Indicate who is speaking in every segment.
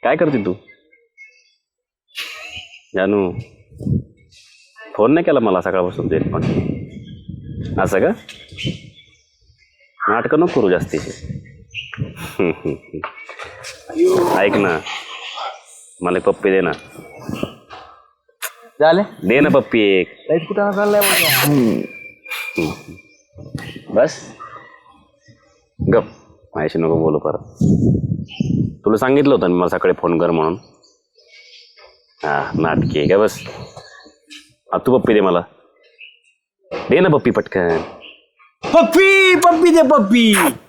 Speaker 1: काय करते तू? जानू फोन नाही केला मला सकाळपासून तरी पण. असं का? नाटकं नको करू जास्तीचे. ऐक ना, मला एक पप्पी दे ना.
Speaker 2: झाले
Speaker 1: दे ना पप्पी एक.
Speaker 2: कुठं चाललाय
Speaker 1: बस गप, माझ्याशी नको बोलू परत. तुला सांगितलं होतं मी मला सकाळी फोन कर म्हणून. हा नाटकी आहे का? बस तू पप्पी दे मला. दे ना पप्पी पटकन.
Speaker 2: पप्पी पप्पी दे पप्पी.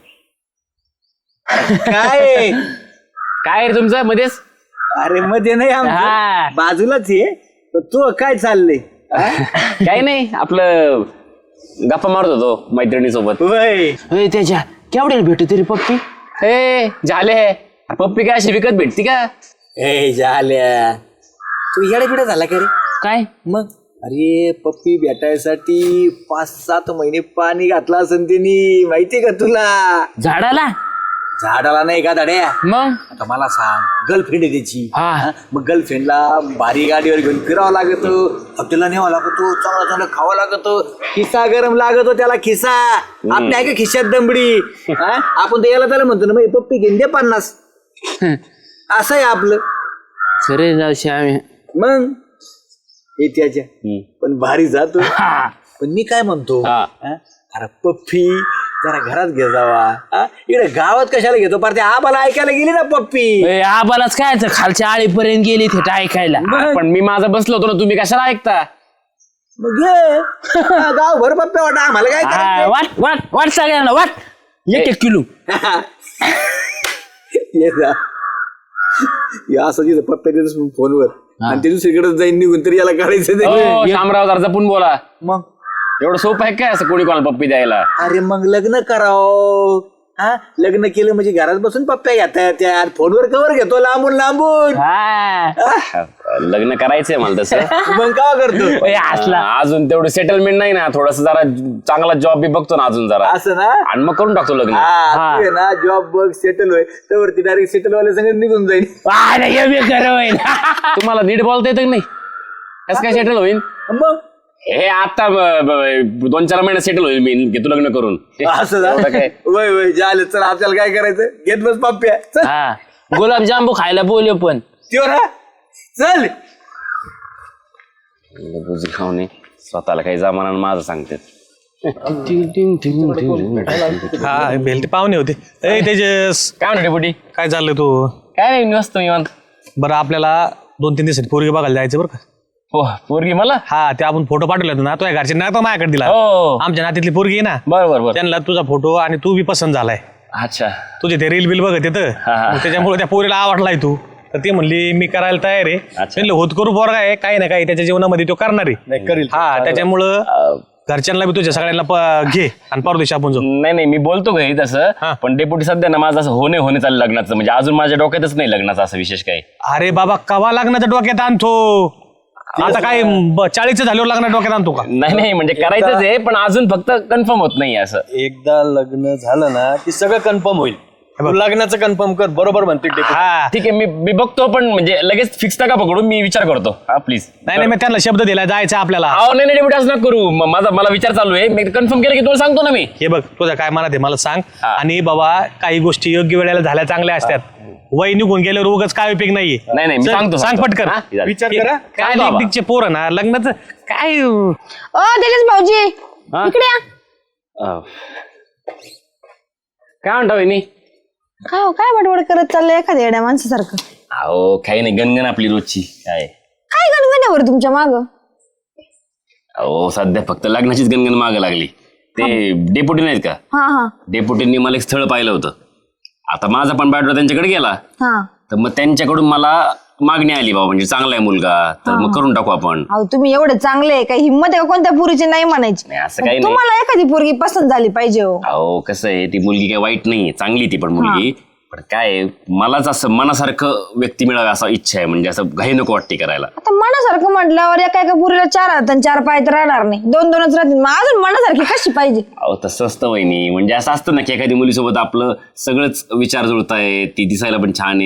Speaker 2: काय
Speaker 1: काय रे तुमचं मध्येच?
Speaker 2: अरे मध्ये नाही
Speaker 1: हा.
Speaker 2: बाजूलाच आहे. तू काय चाललंय?
Speaker 1: काही नाही, आपलं गप्पा मारत होतो मैत्रिणीसोबत.
Speaker 2: त्याच्या केवढ्याला भेटू तरी पप्पी?
Speaker 1: हे झाले पप्पी काय अशी विकत भेटती का?
Speaker 2: ए झाल्या तू येडे बिडे झाला का रे?
Speaker 1: काय
Speaker 2: मग अरे पप्पी भेटायसाठी 5-7 महिने पाणी घातला असेल त्यांनी, माहितीये का तुला?
Speaker 3: झाडाला
Speaker 2: झाडाला नाही का दाड्या?
Speaker 3: मग
Speaker 2: आता मला सांग, गर्लफ्रेंड आहे त्याची.
Speaker 3: हा.
Speaker 2: मग गर्लफ्रेंडला भारी गाडीवर घेऊन फिरावं लागत, हॉटेलला न्यावं लागतो, चांगलं चांगलं खावं लागतो, खिसा गरम लागतो त्याला. खिसा आपल्या आहे का खिशात दमडी? आपण तर याला त्याला म्हणतो ना, मग पप्पी घेऊन दे 50. असं आहे आपलं.
Speaker 3: खरे जाऊशी आम्ही.
Speaker 2: मग हे त्याच्या पण भारी जातो. पण मी काय म्हणतो, अरे पप्पी जरा घरात घे जावा. इकडे गावात कशाला घेतो? पार ते आबाला ऐकायला गेली ना पप्पी.
Speaker 3: आबालाच काय खालच्या आळीपर्यंत गेली थेट ऐकायला.
Speaker 1: पण मी माझं बसलो होतो ना, तुम्ही कशाला ऐकता?
Speaker 2: मग घे गावभर पप्प्या वाटा, आम्हाला काय करायचंय?
Speaker 3: वाट वाट वाट सगळ्यांना वाट. 1-1 किलो.
Speaker 2: ये जा. हे असं तिथं पप्प्या देतोस फोनवर आणि ते दुसरीकडे जाईन निघून, तरी याला काढायचं नाही.
Speaker 1: शामराव जरा जपून बोला.
Speaker 2: मग
Speaker 1: एवढं सोपं आहे काय असं कोणी कोणाला पप्पी द्यायला?
Speaker 2: अरे मग लग्न करावं. लग्न केलं म्हणजे घरात बसून पप्प्या घेता येतात. फोनवर कवर घेतो लांबून लांबून.
Speaker 1: लग्न करायचंय मला तसं.
Speaker 2: मग का करतो?
Speaker 1: अजून तेवढं सेटलमेंट नाही ना, थोडस जरा चांगला जॉब बी बघतो ना अजून जरा,
Speaker 2: असं ना?
Speaker 1: आणि मग करून टाकतो लग्न.
Speaker 2: ना जॉब बघ, सेटल होय तर डायरेक्ट सेटल वाल्या संगत निघून जाईल.
Speaker 1: तुम्हाला नीट बोलता येतं की नाही? कसं काय सेटल होईल?
Speaker 2: मग
Speaker 1: हे आता 2-4 महिन्यात सेटल होईल मी, घेतो लग्न करून.
Speaker 2: असं ना?
Speaker 1: काय
Speaker 2: वय वय झालं. चल आपल्याला काय करायचं? घेत बस पप्प्या. चल
Speaker 3: गुलाबजांबू खायला बोलले पण
Speaker 2: त्यो ना. चल
Speaker 1: बुजी खाऊन स्वतःला काही जमाना माझं सांगते.
Speaker 4: हा भेलते पाहुणे होते. ए तेजस,
Speaker 1: काय म्हणते बुडी?
Speaker 4: काय चाललंय तू?
Speaker 1: काय नाही, नसतो निवांत.
Speaker 4: बरं आपल्याला 2-3 दिवसात पोरगी बघायला जायचं बरं का?
Speaker 1: हो पोरगी मला?
Speaker 4: हा, ते आपण फोटो पाठवले होते ना, तुझ्या घरचे ना तो माझ्याकडे दिला.
Speaker 1: हो
Speaker 4: आमच्या नात्यातली पोरगी आहे ना,
Speaker 1: बरोबर.
Speaker 4: त्यांना तुझा फोटो आणि तू बी पसंत झालाय.
Speaker 1: अच्छा.
Speaker 4: तुझे ते रील बिल बघत येतं, त्याच्यामुळे त्या पोरीला आवडलाय तू. तर ती म्हणली मी करायला तयार आहे. म्हणलं होत करू पोरगा आहे, काही ना काही त्याच्या जीवनामध्ये तो करणार आहे. हा, त्याच्यामुळं घरच्यांना बी तुझ्या सगळ्यांना घे आणि परदेशी आपण जाऊ.
Speaker 1: नाही मी बोलतो घरी तसं, पण डेपुटी सध्या ना माझं असं होणे चाललं लग्नाचं, म्हणजे अजून माझ्या डोक्यातच नाही लग्नाचं असं विशेष काही.
Speaker 4: अरे बाबा, कवा लग्नाच्या डोक्यात आणतो? आता काय 40 झाल्यावर लग्नाच्या डोक्यात आणतो का?
Speaker 1: नाही म्हणजे करायचंच आहे, पण अजून फक्त कन्फर्म होत नाही असं.
Speaker 5: एकदा लग्न झालं ना की सगळं कन्फर्म होईल. तू लग्नाचं कन्फर्म कर. बरोबर म्हणते.
Speaker 4: हा
Speaker 1: ठीक आहे, मी बघतो, पण म्हणजे लगेच फिक्स नका पकडून, मी विचार करतो. हा प्लीज.
Speaker 4: नाही मी त्यांना शब्द दिला जायचं आपल्याला.
Speaker 1: नाही डेपुटी असं नका करू. मला विचार चालू आहे, मी कन्फर्म केलं की तुला सांगतो ना मी.
Speaker 4: हे बघ, तुझं काय मनात आहे मला सांग. आणि बाबा काही गोष्टी योग्य वेळेला झाल्या चांगल्या असतात. वय निघून गेल्यावर उगाच काय उपयोग नाहीये.
Speaker 1: नाही मी सांगतो.
Speaker 4: सांग पटकन.
Speaker 5: विचार करा.
Speaker 4: काय लिपटिकचे पोरं ना लग्नाचं काय.
Speaker 6: तेजस भाऊजी इकडे या.
Speaker 1: काय म्हणता वहिनी?
Speaker 6: काय बडबड करत चाललंय एखाद्या येड्या माणसासारखं?
Speaker 1: अहो काही नाही, गणगण आपली रोजची. काय
Speaker 6: गणगण्यावर तुमच्या माग?
Speaker 1: अहो सध्या फक्त लग्नाचीच गणगण मागं लागली. ते डेपुटी नाहीत का?
Speaker 6: हा
Speaker 1: डेपुटींनी मला एक स्थळ पाहिलं होतं. आता माझा पण बॅटरा त्यांच्याकडे गेला,
Speaker 6: हा.
Speaker 1: तर मग त्यांच्याकडून मला मागणी आली, बाबा म्हणजे चांगला आहे मुलगा, तर मग करून टाकू आपण.
Speaker 6: अहो तुम्ही एवढे चांगले, काही हिंमत आहे का कोणत्या पुरीची नाही म्हणायची?
Speaker 1: नाही असं काही नाही.
Speaker 6: तुम्हाला एखादी पोरगी पसंत झाली पाहिजे.
Speaker 1: अहो कसं आहे, ती मुलगी काही वाईट नाही, चांगली ती पण मुलगी. पण काय मलाच असं मनासारखं व्यक्ती मिळावं असं इच्छा आहे, म्हणजे असं घाई नको वाटते करायला.
Speaker 6: आता मनासारखं म्हटल्यावर एका पुरीला 4 हात आणि 4 पाय तर राहणार नाही, 2-2च राहतील. मग अजून मनासारखी कशी पाहिजे?
Speaker 1: अहो तसं असतं वहिनी, म्हणजे असं असतं ना की एखादी मुलीसोबत आपलं सगळंच विचार जुळताय, ती दिसायला पण छान आहे,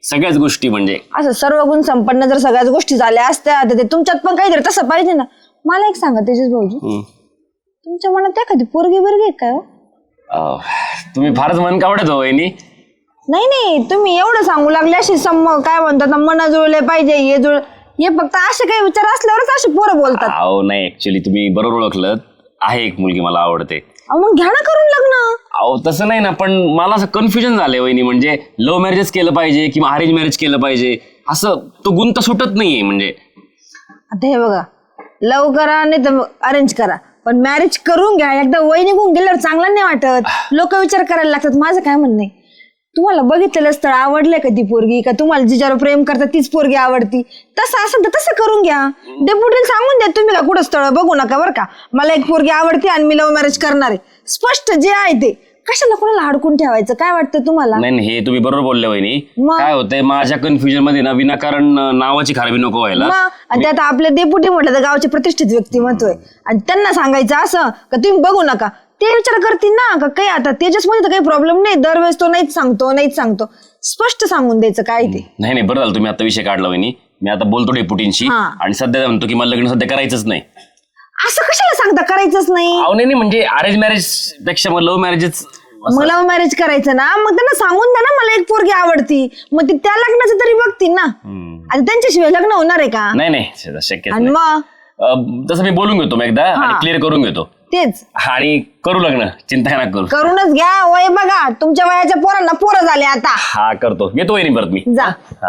Speaker 1: सगळ्याच गोष्टी म्हणजे
Speaker 6: असं सर्व गुण संपन्न जर सगळ्याच गोष्टी झाल्या असत्या तर ते तुमच्यात पण काहीतरी तसं पाहिजे ना. मला एक सांगा तेजस भाऊजी, तुमच्या मनात एखादी पोरगी बिरगी काय हो?
Speaker 1: तुम्ही फारच मन कावडत हो वहिनी.
Speaker 6: नाही तुम्ही एवढं सांगू लागले अशी काय म्हणतात ना, मन जुळले पाहिजे हे जुळ, हे फक्त असे काही विचार असल्यावरच असे पोरं बोलतात.
Speaker 1: अहो नाही, ऍक्च्युली तुम्ही बरोबर ओळखलं, आहे एक मुलगी मला आवडते.
Speaker 6: मग घ्या ना करून लग्न.
Speaker 1: अहो तसं नाही ना, पण मला असं कन्फ्युजन झालंय वहिनी, म्हणजे लव्ह मॅरेजच केलं पाहिजे किंवा अरेंज मॅरेज केलं पाहिजे, असं तो गुंत सुटत नाहीये. म्हणजे
Speaker 6: आता हे बघा, लव करा नाही तर अरेंज करा, पण मॅरेज करून घ्या. एकदा वय निघून गेल्यावर चांगला नाही वाटत, लोक विचार करायला लागतात. माझं काय म्हणणं आहे, तुम्हाला बघितलेलं स्थळ आवडलंय का ती पोरगी, का तुम्हाला जिच्यावर प्रेम करतात तीच पोरगी आवडती, तसं असेल तर तसं करून घ्या. डेप्युटीला सांगून द्या तुम्ही का कुठं स्थळ बघू नका बरं का, मला एक पोरगी आवडते आणि मी लव्ह मॅरेज करणार आहे, स्पष्ट जे आहे ते. कशाला कोणाला अडकून ठेवायचं, काय वाटतं तुम्हाला?
Speaker 1: नाही हे तुम्ही बरोबर बोलले वहिनी.
Speaker 6: मग?
Speaker 1: काय होतंय माझ्या कन्फ्युजन मध्ये ना, विनाकारण नावाची खराबी नको व्हायला.
Speaker 6: आणि त्यात आपले डेप्युटी म्हटलं तर गावचे प्रतिष्ठित व्यक्तिमत्व आहे, आणि त्यांना सांगायचं असं का तुम्ही बघू नका, ते विचार करतील ना का काही. आता तेजसमध्ये तर काही प्रॉब्लेम नाही, दरवेळेस तो नाहीच सांगतो, स्पष्ट सांगून द्यायचं काय ते.
Speaker 1: नाही बरं झालं तुम्ही आता विषय काढला वहिनी. मी आता बोलतो डेप्युटींशी आणि सध्या म्हणतो की मला लग्न सध्या करायचंच नाही.
Speaker 6: असं कशाला सांगता करायचंच नाही?
Speaker 1: अहो नाही म्हणजे अरेंज मॅरेज पेक्षा मग लव्ह मॅरेजच.
Speaker 6: मग लव्ह मॅरेज करायचं ना, मग त्यांना सांगून द्या ना मला एक पोरगी आवडती, मग ते त्या लग्नाचं तरी बघतील ना. आता त्यांच्याशिवाय लग्न होणार आहे का?
Speaker 1: नाही शक्य
Speaker 6: आणि मग
Speaker 1: तसं मी बोलून घेतो मग एकदा आणि क्लिअर करून घेतो
Speaker 6: तेच
Speaker 1: आणि करू लग्न, चिंता नका करू.
Speaker 6: करूनच घ्या. वय बघा, तुमच्या वयाच्या पोरांना पोरं झाले आता.
Speaker 1: हा करतो, येतो वहिनी परत मी.
Speaker 6: जा.
Speaker 1: हा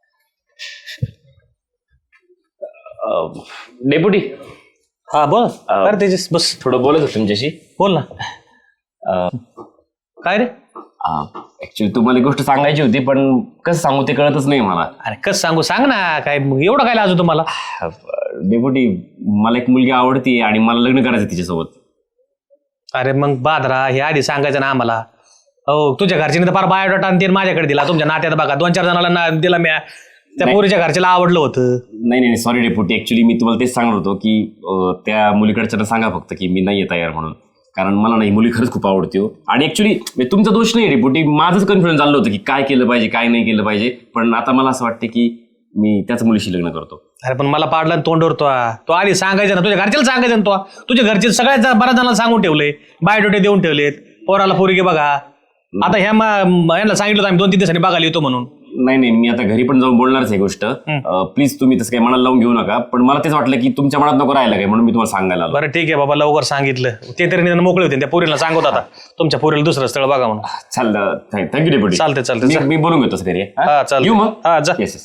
Speaker 1: डेप्युटी.
Speaker 4: हा बोल. अरे तेजस बस,
Speaker 1: थोडं बोलत होतो तुमच्याशी.
Speaker 4: बोल ना. काय रे?
Speaker 1: ऍक्च्युली तुम्हाला एक गोष्ट सांगायची होती, पण कसं सांगू ते कळतच नाही मला.
Speaker 4: अरे कसं सांगू, सांग ना. काय एवढं काय लाजू तुम्हाला?
Speaker 1: डेप्युटी, मला एक मुलगी आवडती आणि मला लग्न करायचं तिच्यासोबत.
Speaker 4: अरे मग बादरा, हे आधी सांगायचं ना आम्हाला. हो, तुझ्या घरच्याने तर फार बायोडाटा आणि माझ्याकडे दिला. तुमच्या नात्यात बघा 2-4 जणांना दिला मी. त्या पोरीच्या घरच्याला आवडलं होतं.
Speaker 1: नाही सॉरी डेप्युटी, ऍक्च्युली मी तुम्हाला तेच सांगत होतो की त्या मुलीकडच्या सांगा फक्त की मी नाहीये तयार म्हणून, कारण मला नाही, मुली खरंच खूप आवडते हो. आणि ऍक्च्युली तुमचा दोष नाही डेप्युटी, माझंच कन्फ्युजन चाललं होतं की काय केलं पाहिजे काय नाही केलं पाहिजे. पण आता मला असं वाटतं की मी त्याच मुलीशी लग्न करतो.
Speaker 4: अरे पण मला पाडला तोंडवर तो आधी सांगायचं ना, तुझ्या घरच्याला सांगायचं ना. तुझ्या घरचे सगळ्यात बऱ्याच जणांना सांगून ठेवले, बायोडोटे देऊन ठेवलेत, पोराला पोरगी बघा. आता ह्यांना सांगितलं आम्ही 2-3 दिवसांनी बघायला येतो म्हणून.
Speaker 1: नाही मी आता घरी पण जाऊन बोलणारच आहे गोष्ट. प्लीज तुम्ही तसं काही मनाला लावून घेऊ नका, पण मला तेच वाटलं की तुमच्या मनात नको राहिलं काय, म्हणून मी तुम्हाला सांगायला आलो.
Speaker 4: बरं ठीक आहे बाबा, लवकर सांगितलं. ते तरी निदान मोकळे होते. त्या पोरीला सांगत आता तुमच्या पोरीला दुसरं स्थळ बघा म्हणून.
Speaker 1: चालतं, थँक्यू डेप्युटी.
Speaker 4: चालते
Speaker 1: मी बोलून घेतो घरी.
Speaker 4: हा चालतं.
Speaker 1: येऊ मग.
Speaker 4: हा जा.
Speaker 1: येस.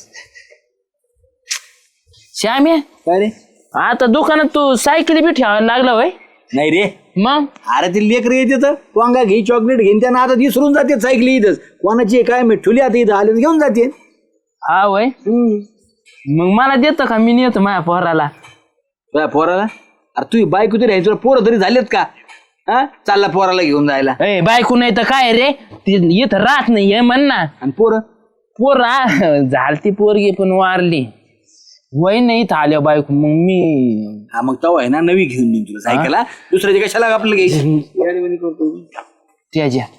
Speaker 3: श्याम्या,
Speaker 2: काय रे?
Speaker 3: आता दुकानात तू सायकली बी ठेवायला लागला होय?
Speaker 2: नाही रे,
Speaker 3: मग
Speaker 2: अरे ते लेकर येते तर वांगा घे, चॉकलेट घेईन, त्यांना आता विसरून जाते सायकली इथंच. कोणाची आहे काय मी ठुली आता इथं आले घेऊन जाते.
Speaker 3: हा वय, मग मला देतो का? मी नेतो माझ्या पोराला.
Speaker 2: तुझ्या पोराला? अरे तुझी बायको तरी आहे, तुला पोरं तरी झालेत का? हा, चालला पोराला घेऊन जायला.
Speaker 3: ए बायको नाही तर काय रे, ती इथं राहत नाही हे म्हण ना.
Speaker 2: आणि पोरं
Speaker 3: झालती पोरगी पण वारली. वय नाही इथं आल्या बायको, मग मी
Speaker 2: हा मग तवा आहे ना नवी घेऊन देईन तुला सायकल. दुसऱ्याची कशाला आपल्याला घ्यायची
Speaker 3: त्याच्या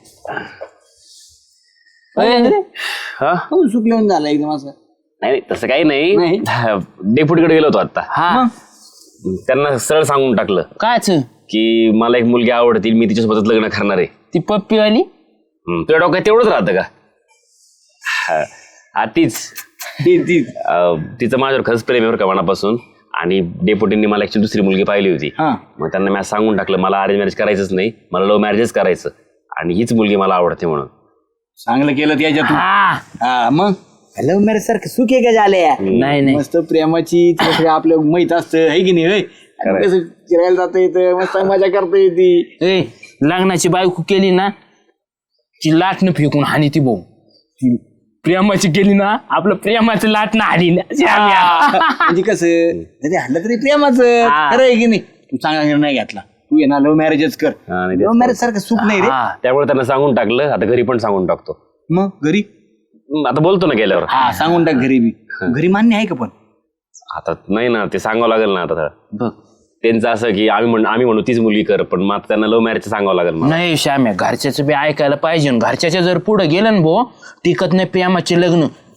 Speaker 2: सुकलेऊन झाला एकदम असं.
Speaker 1: नाही तसं काही नाही, डेप्युटीकडे गेलो होतो आता.
Speaker 3: हा
Speaker 1: त्यांना सरळ सांगून टाकलं
Speaker 3: कायच
Speaker 1: की मला एक मुलगी आवडती, मी तिच्यासोबतच लग्न करणार आहे.
Speaker 3: ती पप्पीवाली
Speaker 1: तुझ्या डोक्यात तेवढंच राहतं का? हा तीच. तिचं माझ्यावर खरंच प्रेम आहे बरं का मनापासून. आणि डेप्युटींनी मला ऍक्च्युली दुसरी मुलगी पाहिली होती. मग त्यांना मी सांगून टाकलं मला अरेंज मॅरेज करायचंच नाही, मला लव्ह मॅरेजच करायचं, आणि हीच मुलगी मला आवडते म्हणून.
Speaker 2: चांगलं केलं त्याच्यातून.
Speaker 3: हा
Speaker 2: मग लव्ह मॅरेज सारखं सुख आहे का झाल्या?
Speaker 3: नाही
Speaker 2: मस्त प्रेमाची आपलं माहित असतं आहे की नाही? कसं फिरायला जाता येतं, मस्त मजा करता येते.
Speaker 3: ए लग्नाची बायको केली ना, ती लाटणं फेकून हानी ती भाऊ. ती प्रेमाची केली ना, आपलं प्रेमाचं लाटणं हानी ना.
Speaker 2: म्हणजे कसं ते हल्लं तरी प्रेमाचं खरं आहे की नाही? तू चांगला निर्णय घेतला, तू ये ना लव्ह मॅरेजच कर. लव्ह मॅरेज सारखं सुख नाही रे.
Speaker 1: त्यामुळे त्यांना सांगून टाकलं, आता घरी पण सांगून टाकतो.
Speaker 2: मग घरी
Speaker 1: आता बोलतो ना गेल्यावर.
Speaker 2: हा सांगून टाक घरी बी. घरी मान्य आहे का? पण
Speaker 1: आता नाही ना, ते सांगावं लागेल ना. आता त्यांचं असं की आम्ही म्हणू तीच मुलगी कर, पण मग त्यांना लव्ह मॅरेज सांगावं लागेल.
Speaker 3: नाही श्याम्या, घरच्याचं बी ऐकायला पाहिजे. घरच्याच्या जर पुढे गेलं ना भाऊ, टिकत नाही प्रेमाचे लग्न.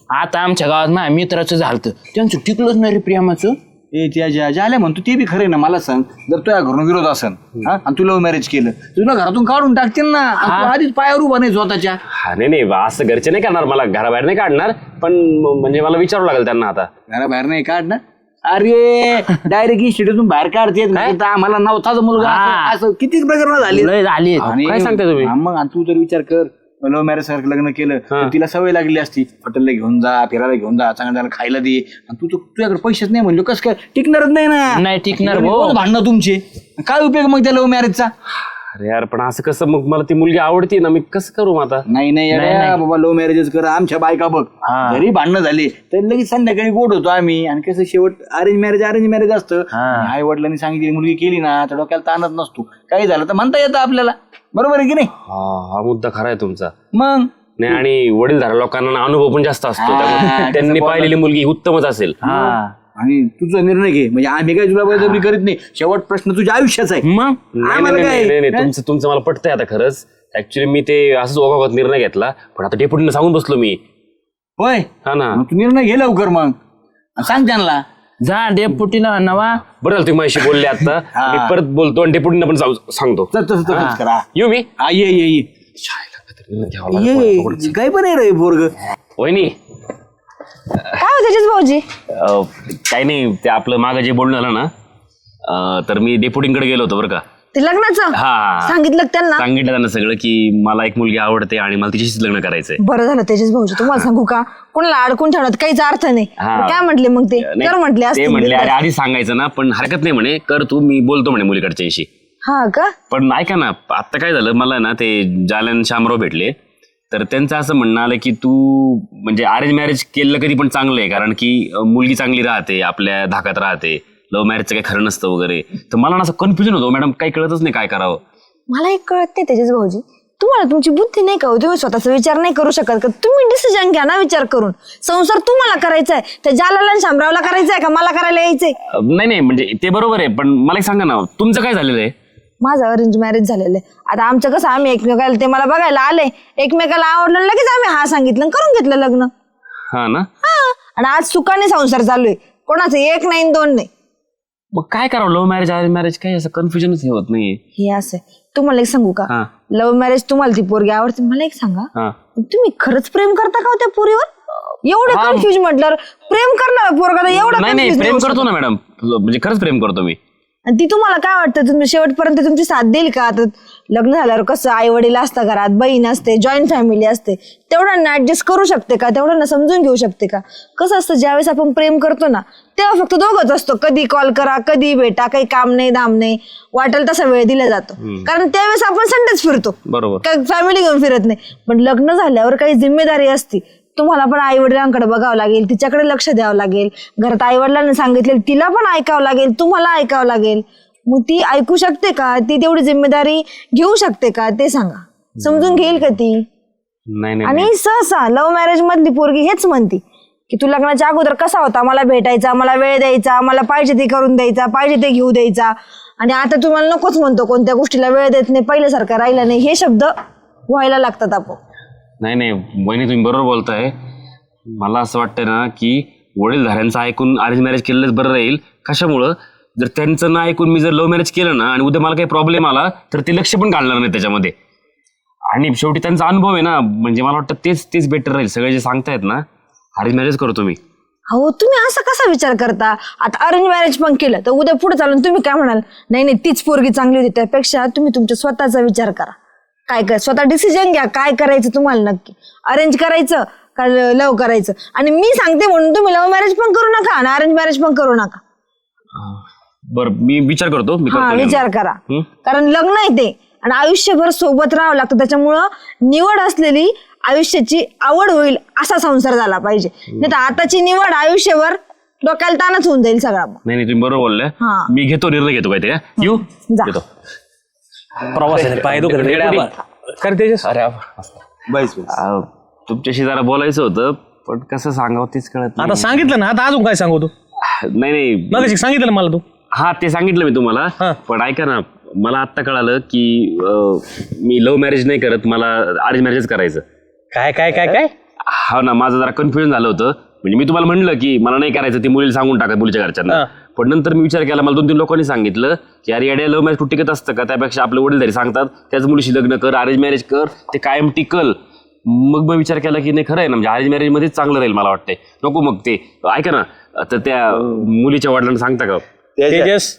Speaker 3: आता आमच्या गावात माझ्या मित्राचं झालं त्यांचं टिकलंच नाही रे प्रेमाचं.
Speaker 2: ए त्या झाल्या म्हणतो ते बी खरे ना. मला सांग, जर तुझ्या घरून विरोध असन आणि तू लव्ह मॅरेज केलं, तुला घरातून काढून टाकतील ना. आणि तू आधीच पायावर उभा नाही स्वतःच्या.
Speaker 1: हा नाही असं घरचे नाही करणार, मला घराबाहेर नाही काढणार, पण म्हणजे मला विचारावं लागेल त्यांना आता.
Speaker 2: घराबाहेर नाही काढणार. अरे डायरेक्ट इन्स्टिट्यूटून बाहेर काढते. आम्हाला नवताचा मुलगा असं किती प्रकरण झाली.
Speaker 3: लय झाली.
Speaker 1: काय सांगताय तुम्ही?
Speaker 2: मग आणि तू जर विचार कर, लव्ह मॅरेज सारखं लग्न केलं तर तिला सवय लागली असती. हॉटेलला घेऊन जा, फिरायला घेऊन जा, चांगलं खायला दे. आणि तू तुझ्याकडे पैसेच नाही म्हणलो कसं काय टिकणारच नाही ना.
Speaker 3: नाही टिकणार
Speaker 2: रोज भांडणं तुमचे. काय उपयोग मग त्या लव्ह मॅरेजचा?
Speaker 1: अरे यार पण असं कसं, मग मला ती मुलगी आवडती ना, मी कसं करू मग आता?
Speaker 2: नाही येड्या, बाबा लव्ह मॅरेजच कर. आमच्या बायका बघ, जरी भांडणं झाली तर लगेच संध्याकाळी गोड होतो आम्ही. आणि कसं शेवट अरेंज मॅरेज असतं. आई वडिलांनी सांगितली मुलगी केली ना तर डोक्याला ताणत नसतो. काही झालं तर म्हणता येतं आपल्याला. बरोबर आहे की नाही?
Speaker 1: हा मुद्दा खरा आहे तुमचा.
Speaker 2: मग
Speaker 1: नाही आणि वडीलधारा लोकांना अनुभव पण जास्त असतो, त्यामुळे त्यांनी पाहिलेली मुलगी उत्तमच असेल.
Speaker 2: आणि तुझा निर्णय घे. म्हणजे आम्ही काही तुला बळजबरी करीत नाही. शेवट प्रश्न तुझ्या आयुष्याचा आहे.
Speaker 3: मग
Speaker 2: आम्हाला काय?
Speaker 1: नाही तुमचं मला पटतंय आता खरंच. ऍक्च्युली मी ते असंच ओघावत निर्णय घेतला, पण आता डेप्युटीने सांगून बसलो मी.
Speaker 2: होय,
Speaker 1: हा ना.
Speaker 2: मग तू निर्णय घे लवकर. मग सांग त्यांना.
Speaker 3: जा डेपुटीला नवा.
Speaker 1: बरं झालं तुम्ही माझ्याशी बोलले आता. मी परत बोलतो आणि डेप्युटीने पण सांगतो.
Speaker 2: तसंच करा.
Speaker 1: येऊ मी.
Speaker 2: ये काय पण आहे रे पोरग.
Speaker 1: वहिनी
Speaker 6: काय होतं तेजस भाऊजी?
Speaker 1: काही नाही, ते आपलं मागं जे बोलणं झालं ना, तर मी डेप्युटींकडे गेलो होतो बरं का.
Speaker 6: ते लग्नाचं
Speaker 1: हा
Speaker 6: सांगितलं का त्यांना?
Speaker 1: सांगितलं त्यांना सगळं की मला एक मुलगी आवडते आणि मला तिच्याशीच लग्न करायचंय.
Speaker 6: बरं झालं तेजस भाऊजी. तुम्हाला सांगू का, कोणाला अडकून ठेवण्यात काहीच अर्थ नाही. काय म्हटले मग ते? कर म्हटले
Speaker 1: ते
Speaker 6: असतील.
Speaker 1: म्हटले अरे आधी सांगायचं ना, पण हरकत नाही म्हणे, कर तू, मी बोलतो म्हणे मुलीकडच्याशी.
Speaker 6: हा का?
Speaker 1: पण ऐका ना, आता काय झालं, मला ना ते जालन शामराव भेटले, तर त्यांचं असं म्हणणं आलं की तू म्हणजे अरेंज मॅरेज केलं कधी पण चांगलं आहे, कारण की मुलगी चांगली राहते, आपल्या धाकात राहते, लव्ह मॅरेजचं काही खरं नसतं वगैरे. तर मला ना असं कन्फ्युजन होतं मॅडम, काही कळतच नाही काय करावं.
Speaker 6: मला एक कळत नाही तेजस भाऊजी, तुम्हाला तुमची बुद्धी नाही का? तुम्ही स्वतःचा विचार नाही करू शकत का? तुम्ही डिसिजन घ्या ना विचार करून. संसार तुम्हाला करायचा आहे, त्या जालाला आणि शामरावला करायचा आहे का मला करायला यायचंय?
Speaker 1: नाही म्हणजे ते बरोबर आहे, पण मला एक सांगा ना, तुमचं काय झालेलं आहे?
Speaker 6: माझं अरेंज मॅरेज झालेलं आहे. आता आमचं कसं, आम्ही एकमेकाला, ते मला बघायला आले, एकमेकाला आवडलं, लगेच आम्ही हा सांगितलं, करून घेतलं लग्न.
Speaker 1: हा ना.
Speaker 6: आणि आज सुखाने संसार चालू आहे. कोणाचं एक नाही दोन नाही.
Speaker 1: मग काय करावं, लव्ह मॅरेज अरेंज मॅरेज काही असं कन्फ्युजनच होत नाहीये.
Speaker 6: हे असं तुम्हाला एक सांगू का, लव्ह मॅरेज तुम्हाला ती पोरगी आवडते, मला एक सांगा, तुम्ही खरंच प्रेम करता का त्या पोरीवर? एवढं कन्फ्युज म्हटल्यावर प्रेम करणार पोरगा एवढं?
Speaker 1: नाही प्रेम करतो ना मॅडम, म्हणजे खरंच प्रेम करतो मी.
Speaker 6: आणि ती तुम्हाला काय वाटतं, तुम्ही शेवटपर्यंत तुमची साथ देईल का? आता लग्न झाल्यावर कसं आई वडील असतं घरात, बहीण असते, जॉईंट फॅमिली असते, तेवढ्यांना ऍडजस्ट करू शकते का? तेवढ्यांना समजून घेऊ शकते का? कसं असतं, ज्यावेळेस आपण प्रेम करतो ना तेव्हा फक्त दोघंच असतो. कधी कॉल करा, कधी भेटा, काही काम नाही धाम नाही, वाटेल तसा वेळ दिला जातो. कारण त्यावेळेस आपण संडेच फिरतो,
Speaker 1: बरोबर,
Speaker 6: काही फॅमिली घेऊन फिरत नाही. पण लग्न झाल्यावर काही जिम्मेदारी असते. तुम्हाला पण आई वडिलांकडे बघावं लागेल, तिच्याकडे लक्ष द्यावं लागेल, घरात आई वडिलांना सांगितलेलं तिला पण ऐकावं लागेल, तुम्हाला ऐकावं लागेल. मग ती ऐकू शकते का? ती तेवढी जिम्मेदारी घेऊ शकते का? ते सांगा. समजून घेईल का ती?
Speaker 1: नाही.
Speaker 6: आणि सहसा लव्ह मॅरेज मधली पोरगी हेच म्हणते की तू लग्नाच्या अगोदर कसा होता, मला भेटायचा, मला वेळ द्यायचा, मला पाहिजे ते करून द्यायचा, पाहिजे ते घेऊ द्यायचा, आणि आता तुम्हाला नकोच म्हणतो, कोणत्या गोष्टीला वेळ देत नाही, पहिल्यासारखं राहिलं नाही. हे शब्द व्हायला लागतात आपण.
Speaker 1: नाही वहिनी तुम्ही बरोबर बोलताय. मला असं वाटतं ना की वडीलधाऱ्यांचं ऐकून अरेंज मॅरेज केलेलंच बरं राहील. कशामुळं, जर त्यांचं ना ऐकून मी जर लव्ह मॅरेज केलं ना आणि उद्या मला काही प्रॉब्लेम आला तर ते लक्ष पण घालणार नाही त्याच्यामध्ये. आणि शेवटी त्यांचा अनुभव आहे ना, म्हणजे मला वाटतं तेच बेटर राहील. सगळे जे सांगतायत ना, अरेंज मॅरेज करतो मी.
Speaker 6: हो, तुम्ही असा कसा विचार करता? आता अरेंज मॅरेज पण केलं तर उद्या पुढे चालून तुम्ही काय म्हणाल, नाही तीच पोरगी चांगली होती. त्यापेक्षा तुम्ही तुमच्या स्वतःचा विचार करा. काय स्वतः डिसिजन घ्या, काय करायचं तुम्हाला नक्की, अरेंज करायचं का लव्ह करायचं. आणि मी सांगते म्हणून तुम्ही लव्ह मॅरेज पण करू नका आणि अरेंज मॅरेज पण करू नका.
Speaker 1: बरं, मी विचार करतो.
Speaker 6: विचार करा, कारण लग्न आहे ते आणि आयुष्यभर सोबत राहावं लागतं. त्याच्यामुळं निवड असलेली आयुष्याची आवड होईल असा संसार झाला पाहिजे. नाही तर आताची निवड आयुष्यभर डोक्याला ताणच होऊन जाईल सगळा.
Speaker 1: नाही तुम्ही बरोबर बोलले. मी निर्णय घेतो काहीतरी. येऊ घेतो.
Speaker 4: प्रवासाने पाय दुखत तेजस.
Speaker 1: तुमच्याशी जरा बोलायचं होतं, पण कसं सांगावं तेच कळत नाही.
Speaker 4: आता सांगितलं ना, आता अजून काय सांगू तू?
Speaker 1: नाही
Speaker 4: मग सांगितलं ना मला तू.
Speaker 1: हा ते सांगितलं मी तुम्हाला, पण ऐका ना, मला आत्ता कळालं की मी लव्ह मॅरेज नाही करत, मला अरेंज मॅरेज करायचं.
Speaker 4: काय काय काय काय
Speaker 1: हा ना, माझं जरा कन्फ्युजन झालं होतं. म्हणजे मी तुम्हाला म्हणलं की मला नाही करायचं, ती मुलीला सांगून टाका मुलीच्या घरच्यांना. पण नंतर मी विचार केला, मला 2-3 लोकांनी सांगितलं की अरे येड्या लव्ह मॅरेज टिकत असतं का, त्यापेक्षा आपले वडीलधारी सांगतात त्याच मुलीशी लग्न कर, अरेंज मॅरेज कर, ते कायम टिकल. मग विचार केला की नाही खरं आहे ना, म्हणजे अरेंज मॅरेज मध्येच चांगलं राहील मला वाटतंय. नको मग ते ऐका ना, तर त्या मुलीच्या वडिलांना सांगता का?
Speaker 5: तेजस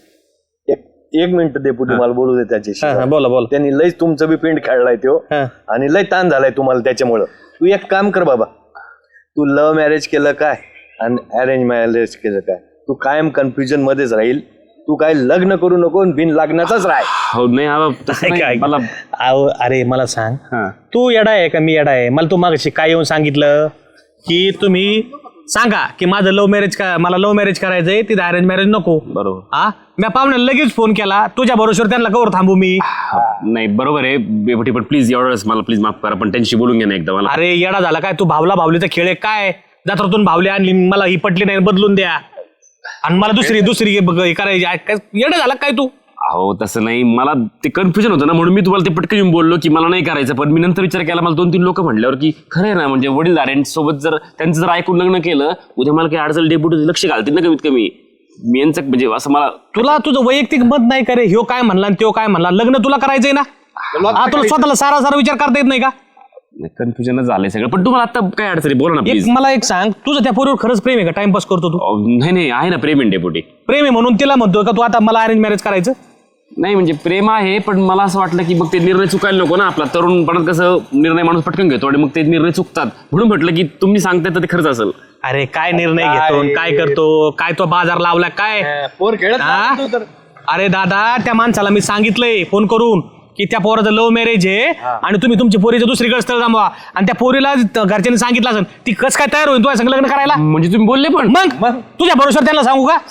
Speaker 5: एक मिनिट डेपुटी मला बोलू दे त्याच्याशी.
Speaker 4: बोला बोला.
Speaker 5: त्यांनी लयच तुमचं बी पिंड खेळलाय तो आणि लय ताण झालाय तुम्हाला त्याच्यामुळं. तू एक काम कर बाबा, तू लव्ह मॅरेज केलं काय आणि अरेंज मॅरेज केलं काय, तू कायम कन्फ्युजन मध्येच राहील. तू काय लग्न करू नको, बिन लग्नाचाच राह.
Speaker 1: हो नाही तसं नाही, मला
Speaker 4: अरे मला सांग, तू येडा आहे का मी येडा आहे? मला तू मागाशी काय येऊन सांगितलं की तुम्ही सांगा की माझं लव्ह मॅरेज मला लव्ह मॅरेज करायचंय, तिथं अरेंज मॅरेज नको.
Speaker 1: बरोबर.
Speaker 4: हा, मी पाहुण्याला लगेच फोन केला, तुझ्या बरोबर त्यांना कवर थांबू मी?
Speaker 1: नाही बरोबर आहे बेपटी, पण प्लीज एवढंच मला प्लीज माफ करा, पण त्यांची बोलून घ्या ना एकदा मला.
Speaker 4: अरे येडा झाला काय तू? भावलीचा खेळ आहे काय? जत्रातून भावली आणली, मला ही पटली नाही, बदलून द्या आणि मला दुसरी हे करायची. येडा झाला काय तू?
Speaker 1: अहो तसं नाही, मला ते कन्फ्युजन होतं ना, म्हणून मी तुम्हाला ते पटकन येऊन बोललो की मला नाही करायचं. पण मी नंतर विचार केला, मला 2-3 लोक म्हटल्यावर की खरं आहे ना, म्हणजे वडीलधाऱ्यांच्या सोबत जर त्यांचं जर ऐकून लग्न केलं, उद्या मला काही अडचण डेप्युटी लक्ष घालतील ना कमीत कमी. मी यांचं म्हणजे असं मला
Speaker 4: तुला तुझं वैयक्तिक मत नाही करे, ह्यो काय म्हणला आणि त्यो काय म्हणला, लग्न तुला करायचंय ना? तुला स्वतःला सारा विचार करता येत नाही का?
Speaker 1: कन्फ्युजनच झालंय सगळं. पण तुम्हाला आता काय अडचणी बोला ना प्लीज.
Speaker 4: मला एक सांग, तुझं त्या पोरीवर खरंच प्रेम आहे का? टाइमपास करतो तू?
Speaker 1: नाही आहे ना प्रेम आहे डेप्युटी.
Speaker 4: प्रेम आहे म्हणून तिला म्हणतो का तू आता मला अरेंज मॅरेज करायचं?
Speaker 1: नाही म्हणजे प्रेम आहे, पण मला असं वाटलं की मग ते निर्णय चुकायला नको ना. आपला तरुणपणात कसं निर्णय माणूस पटकन घेतो आणि मग ते निर्णय चुकतात, म्हणून म्हटलं की तुम्ही सांगताय तर ते खरंच असेल.
Speaker 4: अरे काय निर्णय घेतो, काय करतो, काय तो बाजार लावला काय?
Speaker 5: पोर खेळत.
Speaker 4: अरे दादा, त्या माणसाला मी सांगितलंय फोन करून की त्या पोराचं लव्ह मॅरेज आहे आणि तुम्ही तुमची पोरीचं दुसरीकडे स्थळ जमवा, आणि त्या पोरीला घरच्यांनी सांगितलं असेल, ती कस काय तयार होईल तुझ्या संग लग्न करायला?
Speaker 1: म्हणजे तुम्ही बोलले पण?
Speaker 4: मग तुझ्या भरोश्यावर त्यांना सांगू का?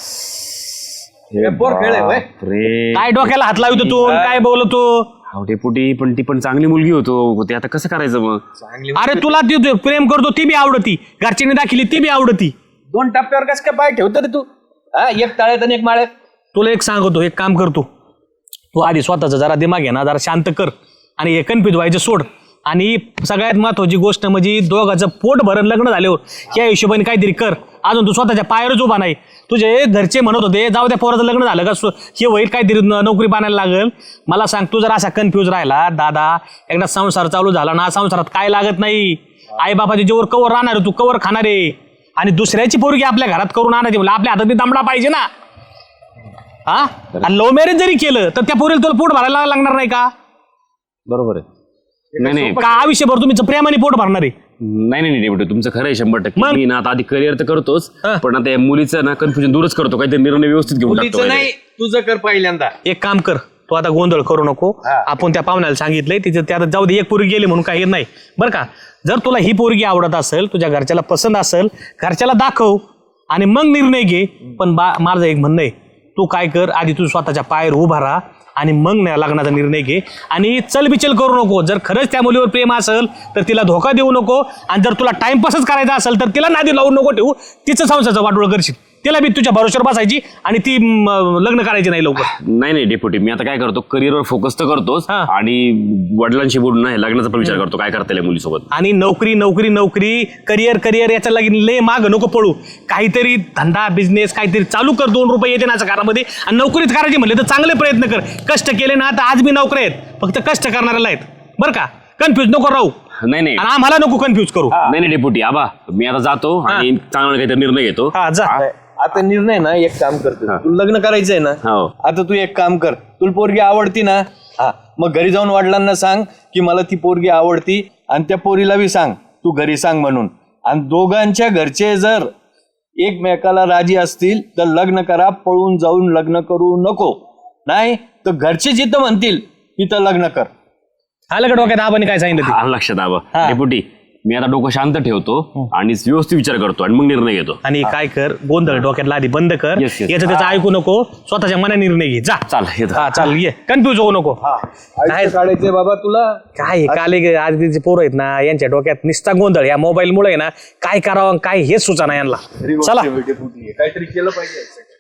Speaker 5: पोर खेळ
Speaker 1: अरे
Speaker 4: काय डोक्याला हात लावतो तू, काय बोलतो?
Speaker 1: अहो डेपुटी, पण ती पण चांगली मुलगी होती, आता कसं करायचं मग?
Speaker 4: अरे तुला ती प्रेम करतो ती बी आवडती, घरच्यांनी दाखिली ती बी आवडती.
Speaker 5: 2 टप्प्यावर कस काय पाय ठेवतो रे तू? एक टाळ्यात आणि एक माळ्यात.
Speaker 4: तुला एक सांगतो, एक काम करतो, तू आधी स्वतःचा जरा दिमाग आहे ना जरा शांत कर आणि हे कन्फ्युज व्हायचं सोड. आणि सगळ्यात महत्वाची गोष्ट म्हणजे दोघांचं पोट भरण लग्न झाल्यावर या हिशोबाने काहीतरी कर. अजून तू स्वतःच्या पायावरच उभा नाही. तुझे घरचे म्हणत होते जाऊ त्या पोराचं लग्न झालं का हे होईल, काहीतरी नोकरी पाण्याला लागेल. मला सांग, तू जर असा कन्फ्यूज राहिला दादा, एकदा संसार चालू झाला ना, संसारात काय लागत नाही. आई बाबाच्या जेवर कवर राहणार, तू कवर खाणार आहे. आणि दुसऱ्याची पोरगी आपल्या घरात करून आणायची म्हणजे आपल्या हातात दमडा पाहिजे ना. हा, लव्ह मॅरेज जरी केलं तर त्या पोरीला तुला पोट भरायला लागणार नाही का?
Speaker 1: बरोबर आहे. नाही
Speaker 4: का आयुष्यभर तुम्ही प्रेमाने पोट भरणार आहे?
Speaker 1: नाही डेप्युटी, तुमचं खरं आहे 100%. मी ना आता आधी करिअर तर करतोच, पण आता या मुलीचं ना कन्फ्युजन दूरच करतो, काहीतरी निर्णय व्यवस्थित घेऊन टाकतो.
Speaker 5: नाही, तुझं कर पहिल्यांदा.
Speaker 4: एक काम कर, तू आता गोंधळ करू नको. आपण त्या पाहुण्याला सांगितलंय, तिथे त्या जाऊ दे, एक पोरगी गेली म्हणून काही नाही बरं का. जर तुला ही पोरगी आवडत असेल, तुझ्या घरच्याला पसंत असेल, घरच्याला दाखव आणि मग निर्णय घे. पण माझं एक म्हणणं आहे, तू काय कर, आधी तू स्वतःच्या पायावर उभा राहा आणि मग लग्नाचा निर्णय घे. आणि चलबिचल करू नको. जर खरंच त्या मुलीवर प्रेम असेल तर तिला धोका देऊ नको, आणि जर तुला टाइमपासच करायचा असेल तर तिला नादी लावून नको ठेवू. तिचं संसाराचं वाटोळ करशील, तिला बी तुझ्या भरोश्यावर बसायची आणि ती लग्न करायची नाही लवकर.
Speaker 1: नाही डेप्युटी, मी आता काय करतो, करिअरवर फोकस तर करतोच आणि वडिलांशी बोलून नाही लग्नाचा पण विचार करतो, काय करता येईल मुलीसोबत.
Speaker 4: आणि नोकरी करिअर याच्या लागेल लय माग नको पळू. काहीतरी धंदा बिझनेस काहीतरी चालू कर, 2 रुपये येते ना घरामध्ये. आणि नोकरीत करायची म्हणले तर चांगले प्रयत्न कर. कष्ट केले ना तर आज बी नोकरी आहेत, फक्त कष्ट करणाऱ्याला आहेत बरं का. कन्फ्युज नको राहू.
Speaker 1: नाही
Speaker 4: आणि आम्हाला नको कन्फ्युज करू.
Speaker 1: नाही डेप्युटी, आबा मी आता जातो आणि चांगला काहीतरी निर्णय घेतो.
Speaker 4: हा जा.
Speaker 5: आता निर्णय ना एक काम करतो, तू लग्न करायचंय ना,
Speaker 1: हो.
Speaker 5: आता तू एक काम कर, तुला पोरगी आवडती ना, हा मग घरी जाऊन वडिलांना सांग की मला ती पोरगी आवडती, आणि त्या पोरीला बी सांग तू घरी सांग म्हणून. आणि दोघांच्या घरचे जर एकमेकाला राजी असतील तर लग्न करा, पळून जाऊन लग्न करू नको. नाही तर घरचे जिथं म्हणतील तिथं लग्न कर.
Speaker 4: आलं का डोक्यात आबाने काय सांगितलं ते?
Speaker 1: लक्षात आबा. डेप्युटी, मी आता डोकं शांत ठेवतो आणि व्यवस्थित विचार करतो आणि मग निर्णय घेतो.
Speaker 4: आणि काय कर, गोंधळ डोक्यातला आधी बंद कर.
Speaker 1: Yes, yes.
Speaker 4: याचं त्याचं ऐकू नको, स्वतःच्या मनाने निर्णय घे. जा
Speaker 1: चाल येतो.
Speaker 4: हा चाल, ये. कन्फ्युज होऊ नको.
Speaker 5: काय काढायचंय बाबा तुला?
Speaker 4: काय काले आधीचे पोरं आहेत ना, यांच्या डोक्यात निस्ता गोंधळ. या मोबाईल मुळे ना काय करावं काय हेच सुचना यांना. चला
Speaker 5: काहीतरी केलं पाहिजे.